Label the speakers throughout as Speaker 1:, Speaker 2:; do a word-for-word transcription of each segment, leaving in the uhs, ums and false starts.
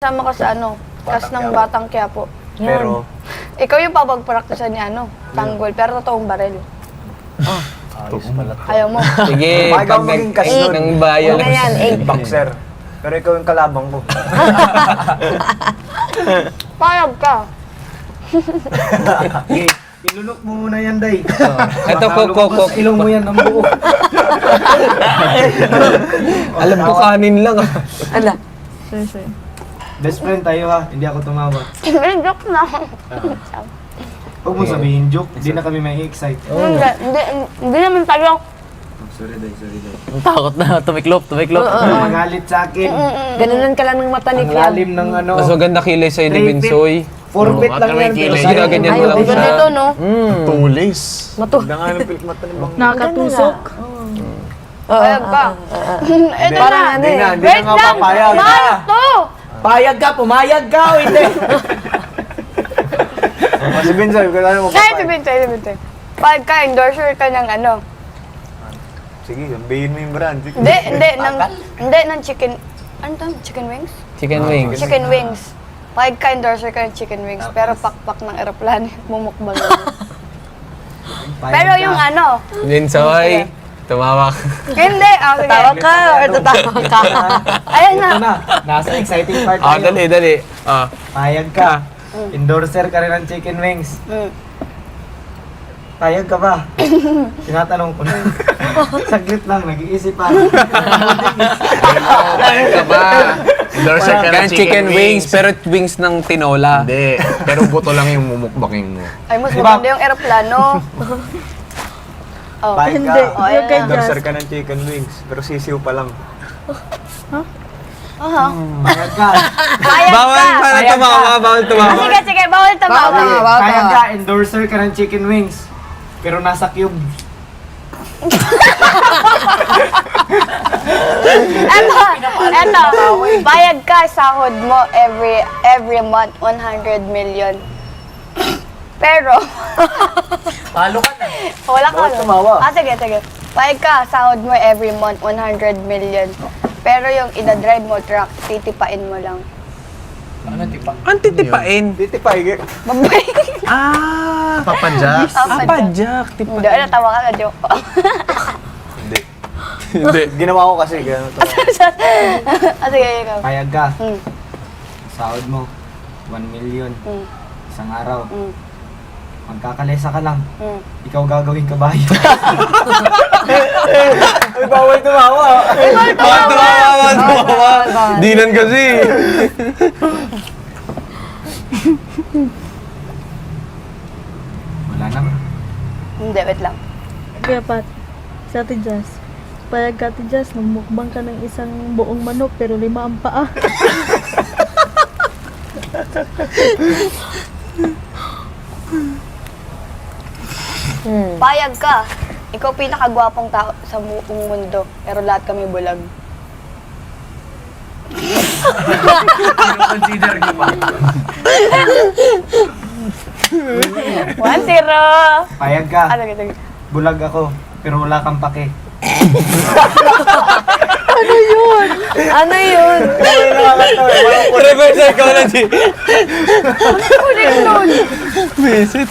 Speaker 1: Sama ka sa ano, kas ng Batang Quiapo.
Speaker 2: Pero,
Speaker 1: Ikaw yung papagpraktisan ni ano, tanggol, pero totoong baril.
Speaker 2: ayos pala to.
Speaker 1: Ayaw mo.
Speaker 3: Sige,
Speaker 2: Bakit
Speaker 3: pag
Speaker 2: ako maging cash
Speaker 3: nag-
Speaker 2: nun?
Speaker 3: ng bayan.
Speaker 4: Ano yan? Eight.
Speaker 2: Boxer. Pero ikaw yung kalabang ko.
Speaker 1: Payag ka.
Speaker 5: Okay, ilunok mo muna yan, Day.
Speaker 3: Ito,
Speaker 5: Baka
Speaker 3: kok, kok,
Speaker 5: lumabas
Speaker 3: kok.
Speaker 5: ilong mo yan ang buo.
Speaker 3: Alam ko kanin lang ah.
Speaker 4: Ala.
Speaker 5: Best friend tayo ha, hindi ako tumawa.
Speaker 1: May joke na.
Speaker 5: Huwag mo sabihin joke, hindi na kami may excite.
Speaker 1: Hindi, hindi, hindi naman tayo.
Speaker 5: Oh, sorry, Day, sorry, Day.
Speaker 6: Takot na, tumiklop, tumiklop.
Speaker 5: Huwag magalit sa akin.
Speaker 4: Ganunan ka lang ng mata ni
Speaker 5: Ang
Speaker 4: Fiam.
Speaker 5: lalim ng ano.
Speaker 3: Mas maganda kilay sa'yo ni Binsoy.
Speaker 5: Forfeit
Speaker 6: Oo,
Speaker 5: lang
Speaker 6: at may
Speaker 5: yan.
Speaker 6: kilay.
Speaker 5: pero sa'yo-
Speaker 3: Ginaganyan mo
Speaker 4: Ay,
Speaker 3: lang
Speaker 4: okay.
Speaker 3: siya.
Speaker 1: Ganito, no?
Speaker 3: Mm.
Speaker 2: Tulis.
Speaker 4: Matu.
Speaker 2: Ganda nga ng pilik mata ni Bang.
Speaker 4: Nakatusok.
Speaker 1: Payag ka. Ito
Speaker 4: Parang
Speaker 1: na.
Speaker 4: ano
Speaker 2: Hindi
Speaker 4: eh.
Speaker 2: na, hindi
Speaker 1: Wait
Speaker 2: na nga
Speaker 1: lang!
Speaker 2: papayag.
Speaker 1: Mahal to!
Speaker 5: Payag ka, pumayag ka o hindi?
Speaker 2: O, si Binsoy, kung ano mo
Speaker 1: Ay,
Speaker 2: papayag.
Speaker 1: sabihin sa'yo, sabihin sa'yo. Payag ka, endorser ka ng ano.
Speaker 2: Sige, sabihin mo yung brand. Sige.
Speaker 1: Hindi, hindi, ng, hindi, ng chicken, ano to? Chicken wings?
Speaker 3: Chicken wings.
Speaker 1: Chicken wings. Payag ka, endorser ka ng chicken wings, pero pakpak ng aeroplano, mumukbang lang.
Speaker 5: Payag
Speaker 1: Pero
Speaker 5: ka.
Speaker 1: yung ano,
Speaker 3: Binsoy, tumawak.
Speaker 1: hindi, ah, sige.
Speaker 4: Tawa ka or tatawa ka?
Speaker 1: Ayan na.
Speaker 5: Ito na, nasa exciting part
Speaker 3: Ah,
Speaker 5: tayo.
Speaker 3: dali, dali. Ah.
Speaker 5: Payag ka. Endorser ka rin ng chicken wings.
Speaker 1: Mm.
Speaker 5: Payag ka ba? Tinatanong ko na. Saglit lang, nag-iisip pa.
Speaker 3: Ano ka ba?
Speaker 6: Endorser ka ng
Speaker 3: Kaya chicken wings, pero wings ng tinola.
Speaker 6: Hindi, pero buto lang yung mumukbaking mo.
Speaker 1: Ay, mas
Speaker 5: Diba?
Speaker 1: maganda yung aeroplano. Oh.
Speaker 2: Payag ka.
Speaker 1: Oh, ayan na.
Speaker 2: Endorser ka ng chicken wings, pero sisiw pa lang.
Speaker 1: Aha.
Speaker 5: Payag ka.
Speaker 1: Payag
Speaker 3: Bawal
Speaker 1: ka.
Speaker 3: pa na
Speaker 5: Payag
Speaker 3: tumawa,
Speaker 5: ka.
Speaker 3: bawal
Speaker 1: Ah,
Speaker 3: tumawa.
Speaker 1: sige, sige, bawal tumawa.
Speaker 4: Bawal. Bawal.
Speaker 5: Payag ka, endorser ka ng chicken wings. Pero nasa cube.
Speaker 1: Eto, eto. Payag ka, sahod mo every every month one hundred million. Pero,
Speaker 5: Talo ka na.
Speaker 1: wala ka.
Speaker 2: Bawal
Speaker 1: no?
Speaker 2: tumawa.
Speaker 1: Ah, sige, sige. Payag ka, sahod mo every month one hundred million. Pero yung ida-drive mo truck, titipain mo lang.
Speaker 5: Ano, tipa?
Speaker 3: Ang titipain.
Speaker 2: Diti payag.
Speaker 1: Babay.
Speaker 3: Ah!
Speaker 6: Papadyak.
Speaker 1: Ah,
Speaker 3: Apa, Jack?
Speaker 1: Hindi,
Speaker 3: Tipain.
Speaker 1: natawa ka na joke.
Speaker 2: Hindi.
Speaker 3: Hindi.
Speaker 2: Ginawa ko kasi gano'n to.
Speaker 1: Ah, sige, ikaw.
Speaker 5: Payag ka.
Speaker 1: Hmm.
Speaker 5: Sahod mo, one million.
Speaker 1: Hmm.
Speaker 5: Isang araw.
Speaker 1: Hmm.
Speaker 5: Magkakalesa ka lang.
Speaker 1: Hmm.
Speaker 5: Ikaw gagawin kabayo.
Speaker 2: Ay, bawal tumawa.
Speaker 3: Bawal tumawa, bawal tumawa. Dinan kasi.
Speaker 5: Wala na.
Speaker 1: Hindi, wait lang.
Speaker 7: Kaya Pat, sa Ate Jazz, payag ka Ate Jazz, magmukbang ka ng isang buong manok pero lima ang paa.
Speaker 1: Payag ka. Ikaw pinakagwapong tao sa buong mundo, pero lahat kami bulag.
Speaker 5: Consider ko pa.
Speaker 1: One zero!
Speaker 5: Payag ka.
Speaker 1: Ah, sige, sige.
Speaker 5: Bulag ako, pero wala kang pake.
Speaker 4: Ano yun?
Speaker 3: Reverse psychology.
Speaker 1: Kunin nun!
Speaker 3: Visit.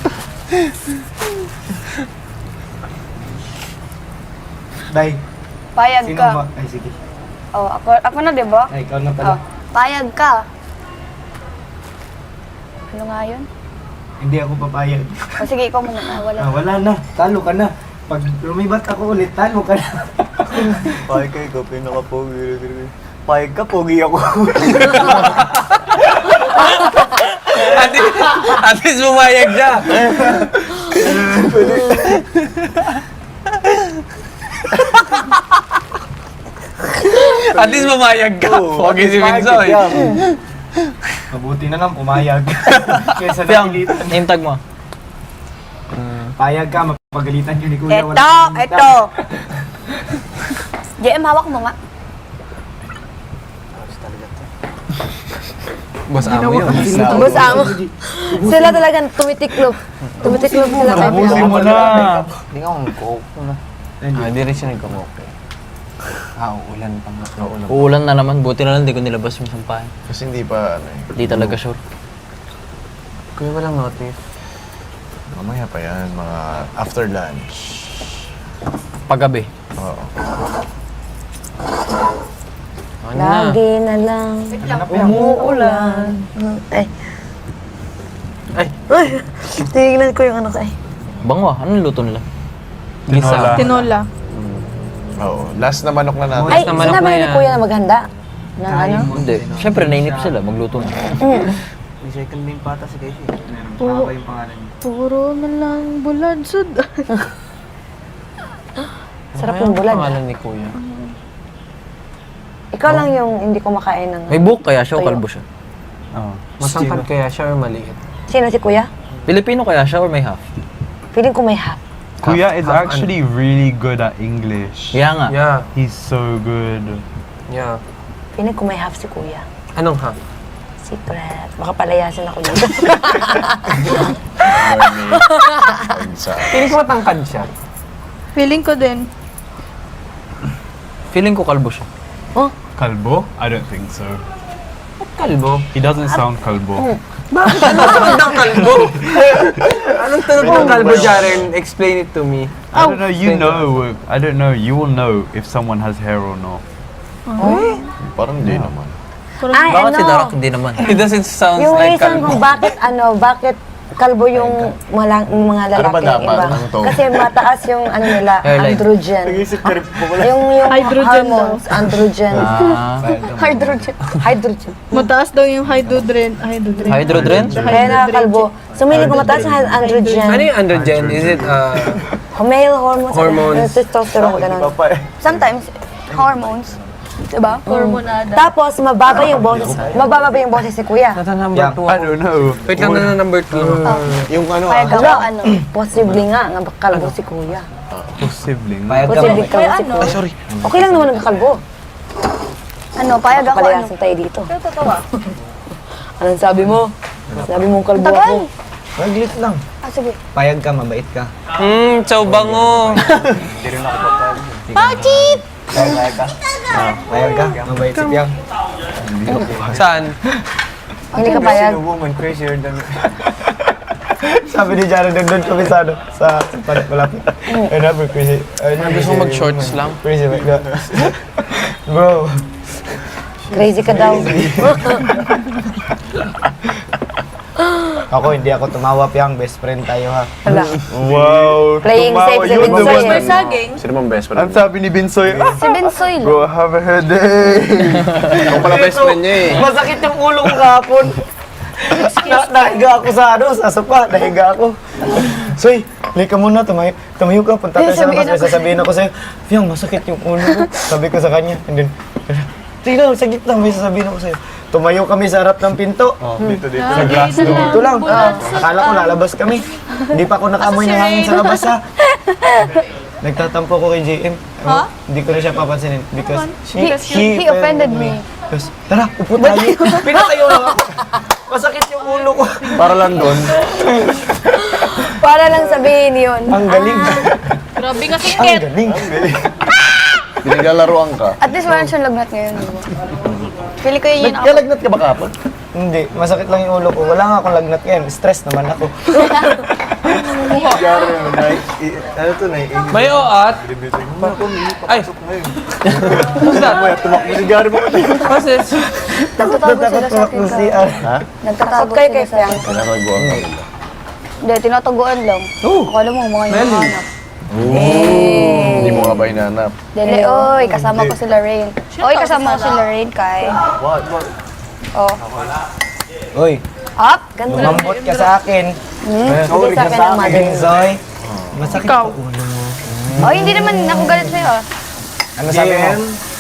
Speaker 5: Day,
Speaker 1: Payag
Speaker 5: sino
Speaker 1: ka.
Speaker 5: ba? Ay, sige.
Speaker 1: Oh, ako, ako na, di ba?
Speaker 5: Ay, ikaw na
Speaker 1: Oh,
Speaker 5: pala.
Speaker 1: payag ka. Ano nga yun?
Speaker 5: Hindi ako papayag.
Speaker 1: O sige, ikaw muna. Ah, wala.
Speaker 5: Ah, wala na. Talo ka na. Pag lumibat ako ulit, talo ka na.
Speaker 2: Payag ka, ikaw pinaka-pogi. Payag ka, pogi ako.
Speaker 3: At, at least bumayag siya. At least bumayag ka. Pogi si Binsoy.
Speaker 5: Mabuti na lang, pumayag. Kesa
Speaker 6: Fiam,
Speaker 5: napilitan.
Speaker 6: name tag mo.
Speaker 5: Payag ka, mapagalitan yun ni Kuya.
Speaker 1: Ito,
Speaker 5: Wala
Speaker 1: ito. J M, hawak mo nga.
Speaker 3: Boss amo yun.
Speaker 4: Boss amo. Sila talagang tumitiklop. Tumitiklop sila kay
Speaker 5: Tapusin
Speaker 4: Fiam.
Speaker 5: mo na.
Speaker 6: Hindi ka mong coke na.
Speaker 3: Ah, di rin siya nagkamoke. Ah, uulan pa nga.
Speaker 2: Naulan.
Speaker 6: Uulan na naman. Buti na lang hindi ko nilabas yung sampahan.
Speaker 2: Kasi hindi pa, ano eh.
Speaker 6: Hindi talaga sure.
Speaker 3: Kuya, walang notif.
Speaker 2: Mamaya pa yan, mga after lunch.
Speaker 6: Paggabi.
Speaker 2: Oo.
Speaker 3: Ano na?
Speaker 4: Lagi na lang umuulan. Ay.
Speaker 3: Ay.
Speaker 4: Ay. Tingnan ko yung ano ko. Ay.
Speaker 6: Bango ah. Anong luto nila?
Speaker 3: Gisa.
Speaker 7: Tinola.
Speaker 2: Oo. Last na manok na natin.
Speaker 4: Ay,
Speaker 3: na manok
Speaker 4: sinabi
Speaker 3: na
Speaker 4: ni
Speaker 3: yan.
Speaker 4: Kuya na maghanda. Na ano?
Speaker 6: Hindi. Siyempre, nainip sila. Magluto na.
Speaker 5: Recycle din pata si Casey. Meron
Speaker 7: Oo.
Speaker 5: pa yung pangalan niya.
Speaker 7: Puro na lang bulansod.
Speaker 4: Sarap yung bulad.
Speaker 3: Pangalan ni Kuya.
Speaker 4: Ikaw lang yung hindi kumakain ng...
Speaker 6: May buhok kaya siya o
Speaker 4: Tuyo.
Speaker 6: kalbo siya?
Speaker 3: Oo. Masangkad kaya siya or maliit?
Speaker 4: Sino si Kuya?
Speaker 6: Pilipino kaya siya or may half?
Speaker 4: Feeling ko may half.
Speaker 8: Kuya is
Speaker 3: half
Speaker 8: actually really good at English.
Speaker 6: Kaya nga.
Speaker 3: Yeah.
Speaker 8: He's so good.
Speaker 3: Yeah.
Speaker 4: Feeling ko may half si Kuya.
Speaker 3: Anong half?
Speaker 4: Secret. Baka palayasin ako dito.
Speaker 2: Learning. Pagsa.
Speaker 3: Piling ko matangkad siya.
Speaker 7: Feeling ko din.
Speaker 6: Feeling ko kalbo siya.
Speaker 8: Kalbo? I don't think so.
Speaker 3: Kalbo.
Speaker 8: He doesn't sound kalbo.
Speaker 3: Tunog ng kalbo! Anong tunog ng kalbo, Jaren? Explain it to me.
Speaker 8: I don't know. You know. I don't know. You will know if someone has hair or not.
Speaker 2: Parang hindi naman.
Speaker 4: Ay,
Speaker 6: Bakit
Speaker 4: ano?
Speaker 6: si Darak hindi naman?
Speaker 3: It doesn't sound
Speaker 4: Yung
Speaker 3: like
Speaker 4: reason
Speaker 3: kalbo.
Speaker 4: kung bakit, ano, bakit kalbo yung malang, mga
Speaker 2: Ano ba
Speaker 4: lalaki
Speaker 2: dapat?
Speaker 4: iba.
Speaker 2: Ano to?
Speaker 4: Kasi mataas yung ano nila,
Speaker 6: Hairline.
Speaker 4: androgen.
Speaker 2: Nag-isip ka rin po pala.
Speaker 4: Yung, yung
Speaker 7: Hydrogen
Speaker 4: hormones, androgen.
Speaker 6: Ah.
Speaker 1: Hydrogen.
Speaker 4: Hydrogen.
Speaker 7: Mataas daw yung hydrodren. Hydrodren.
Speaker 6: Hydrodren?
Speaker 4: Kaya nakakalbo. So, meaning ko mataas yung androgen.
Speaker 3: Ano yung androgen? Is it, uh,
Speaker 4: Male hormones.
Speaker 3: Hormones.
Speaker 4: Yung testosterone, ganun.
Speaker 2: Papa eh.
Speaker 1: Sometimes, hormones. Diba?
Speaker 7: Hormonada.
Speaker 4: Tapos, mababa yung boses. Mababa ba yung boses ni Kuya?
Speaker 3: nasa number
Speaker 5: Yeah.
Speaker 3: two
Speaker 8: I
Speaker 3: ako.
Speaker 8: don't know.
Speaker 3: Wait lang na number two.
Speaker 2: Yung ano
Speaker 1: Payag
Speaker 2: ah.
Speaker 1: ako, ano.
Speaker 4: Possibly nga, nga kalbo si Kuya.
Speaker 8: Possibly.
Speaker 5: Payag ka ba?
Speaker 4: Possibly kalbo si Kuya.
Speaker 2: Sorry.
Speaker 4: Okay lang naman nagkakalbo.
Speaker 1: Ano, payag ako, ano.
Speaker 4: Palayasin tayo dito. Anong sabi mo? Sabi mo kalbo ako.
Speaker 1: Tagal.
Speaker 5: Maglit lang.
Speaker 1: Ah, sige.
Speaker 5: Payag ka, mabait ka.
Speaker 3: Hmm, chow bango.
Speaker 1: Bakit?
Speaker 2: Payag ka?
Speaker 5: Payag ka, mabait si Piang.
Speaker 3: Saan?
Speaker 4: Hindi ka payag.
Speaker 2: Sino woman crazier than...
Speaker 5: Sabi ni Jared, doon doon kami sa ano, sa palit malapit. I never crazy. I never
Speaker 3: Gusto mo mag-shorts lang?
Speaker 5: Crazy like that. Bro.
Speaker 4: Crazy ka daw.
Speaker 5: Ako, hindi ako tumawa, Piang. Best friend tayo, ha?
Speaker 4: Wala.
Speaker 8: Wow.
Speaker 4: Playing
Speaker 8: tumawa
Speaker 4: safe si
Speaker 8: yun,
Speaker 4: Binsoy.
Speaker 8: the one
Speaker 4: eh.
Speaker 8: that-
Speaker 7: Saging.
Speaker 2: Sino bang best friend?
Speaker 8: Ang sabi ni Binsoy, ah,
Speaker 1: Si Bensoy lang.
Speaker 8: go have a headache.
Speaker 3: Ikaw pala best friend niya eh.
Speaker 5: Masakit yung ulo ko kahapon. Na, nahiga ako sa ano, sa sopa. Nahiga ako. Soy, lika muna, tumayo, tumayo ka. Punta tayo sa labas. May sasabihin ako sa'yo, Piang, masakit yung ulo ko. Sabi ko sa kanya. And then, tingnan, sa gitna, may sasabihin ako sa'yo. Tumayo kami sa harap ng pinto.
Speaker 2: Dito, dito.
Speaker 5: Sa glass door. Dito lang. Ah, akala ko lalabas kami. Hindi pa ako nakaamoy ng hangin sa labas, ha? Nagtatampo ko kay J M. Huh? Hindi ko na siya papansinin because
Speaker 1: He, he offended me.
Speaker 5: Tapos, tara, upo tayo. Pinatayo lang ako. Masakit yung ulo ko.
Speaker 2: Para lang doon.
Speaker 1: Para lang sabihin yun.
Speaker 5: Ang galing.
Speaker 7: Grabe ka
Speaker 5: Ang galing.
Speaker 2: Pinaglalaroan ka.
Speaker 1: At least wala siyang lagnat ngayon. Diba? Pili ko yun yun ako.
Speaker 2: Nagkalagnat ka ba kapon?
Speaker 5: Hindi, masakit lang yung ulo ko. Wala nga akong lagnat ngayon. Stress naman ako.
Speaker 2: Gary, nai... i- Ano to, nai...
Speaker 3: May oat. Ay.
Speaker 2: Who's that? Tumakbo si Gary mo.
Speaker 3: What's this?
Speaker 1: Nagtatago sila sa akin
Speaker 5: Tumakbo
Speaker 1: ka.
Speaker 5: si R.
Speaker 1: Nagtatago
Speaker 4: Kayo
Speaker 1: sila
Speaker 4: kay
Speaker 1: sa akin.
Speaker 2: Pinakagawa ka nila.
Speaker 1: Hindi, tinataguan lang. Akala mo, mga yung hanap.
Speaker 2: Hindi mo nga ba hinanap?
Speaker 1: Dele, oy, kasama ko si Lorraine. Oy, kasama ko si Lorraine, kay.
Speaker 2: What? What?
Speaker 1: Oh.
Speaker 5: Uy,
Speaker 1: Up?
Speaker 5: lumambot ka sa akin.
Speaker 4: Sige sa akin ang mother.
Speaker 5: Binzoy. Masakit
Speaker 7: Ikaw.
Speaker 5: yung ulo mo.
Speaker 1: Oy, hindi naman ako galit sa'yo. ah.
Speaker 5: Ano sabi mo?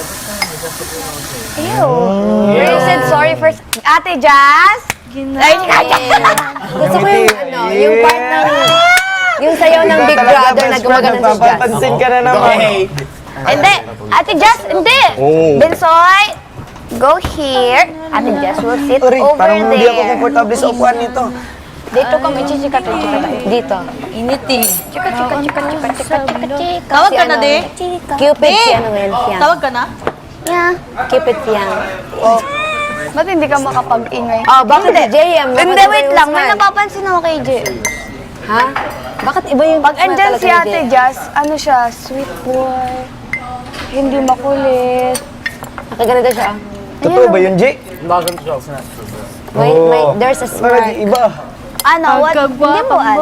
Speaker 1: Ew. You said sorry first. Ate Jazz? Ay,
Speaker 4: Gusto ko yung, ano, yung part ng, yung sayaw ng Big Brother na gumagano si Jazz.
Speaker 5: Papapansin ka na naman.
Speaker 1: Hindi. Ate Jazz, hindi. Bensoy, go here. Ate Jazz will sit
Speaker 5: Sorry,
Speaker 1: over
Speaker 5: parang hindi ako
Speaker 1: there.
Speaker 5: komportable sa upuan nito.
Speaker 1: Dito kami, chika, chika, chika.
Speaker 4: Dito.
Speaker 9: Init eh.
Speaker 1: Chika, chika, chika, chika, chika, chika, chika.
Speaker 9: Tawag ka na,
Speaker 4: ano,
Speaker 9: de.
Speaker 1: Chika.
Speaker 4: Cupid si ano ngayon, Fiang.
Speaker 9: Tawag ka na?
Speaker 1: Yeah.
Speaker 4: Cupid Fiang.
Speaker 1: Oh. Ba't hindi ka makapag-ingay?
Speaker 4: Oh, bakit si J M? Bakit
Speaker 1: Hindi,
Speaker 4: iba
Speaker 1: wait
Speaker 4: yung
Speaker 1: lang. May
Speaker 4: smile?
Speaker 1: napapansin ako kay J.
Speaker 4: Ha? Bakit iba yung
Speaker 1: Pag
Speaker 4: smile
Speaker 1: andyan
Speaker 4: talaga
Speaker 1: si
Speaker 4: ni
Speaker 1: Ate
Speaker 4: J M?
Speaker 1: Jazz, ano siya, sweet boy. Hindi makulit.
Speaker 4: Nakaganito siya.
Speaker 5: Totoo ba yun, Jay?
Speaker 4: Wait,
Speaker 5: Oo.
Speaker 4: wait, there's a
Speaker 5: Bakit
Speaker 4: smile.
Speaker 5: iba?
Speaker 1: Ano, what? Hindi mo ano.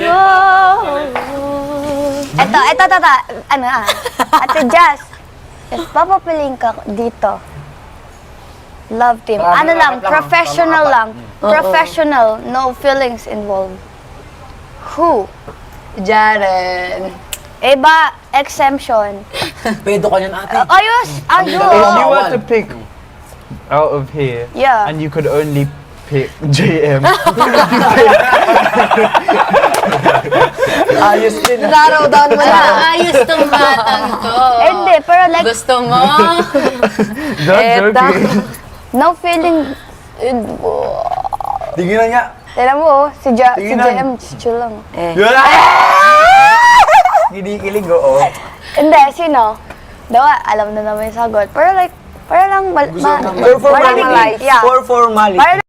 Speaker 1: Eto, eto, eto, eto. Ano ah. Ate Jazz, if papapiling ka dito, love team. Ano lang, professional lang. Professional, no feelings involved. Who?
Speaker 4: Jaren.
Speaker 1: Iba, exemption.
Speaker 3: Pedo ka niyan, ate.
Speaker 1: Ayos,
Speaker 8: If you
Speaker 1: ayos.
Speaker 8: were to pick out of here,
Speaker 1: Yeah.
Speaker 8: and you could only pick J M,
Speaker 5: Ayos din. ah.
Speaker 4: Narrow down mo na.
Speaker 9: Ayos tong batang to.
Speaker 1: Hindi, pero like,
Speaker 9: Gusto mo?
Speaker 8: don't
Speaker 4: Eto.
Speaker 8: joking.
Speaker 1: no feeling.
Speaker 5: Tingnan nga.
Speaker 1: Tignan mo, oh, si, ja, si
Speaker 5: Tingnan.
Speaker 1: J M, chill lang.
Speaker 4: Eh.
Speaker 5: Kinikilig, oo.
Speaker 1: Hindi, sino? Dawa, alam na naman yung sagot. Pero like, para lang, mal, ma,
Speaker 5: For formality.
Speaker 1: marinig- yeah.
Speaker 5: For formality.
Speaker 1: Para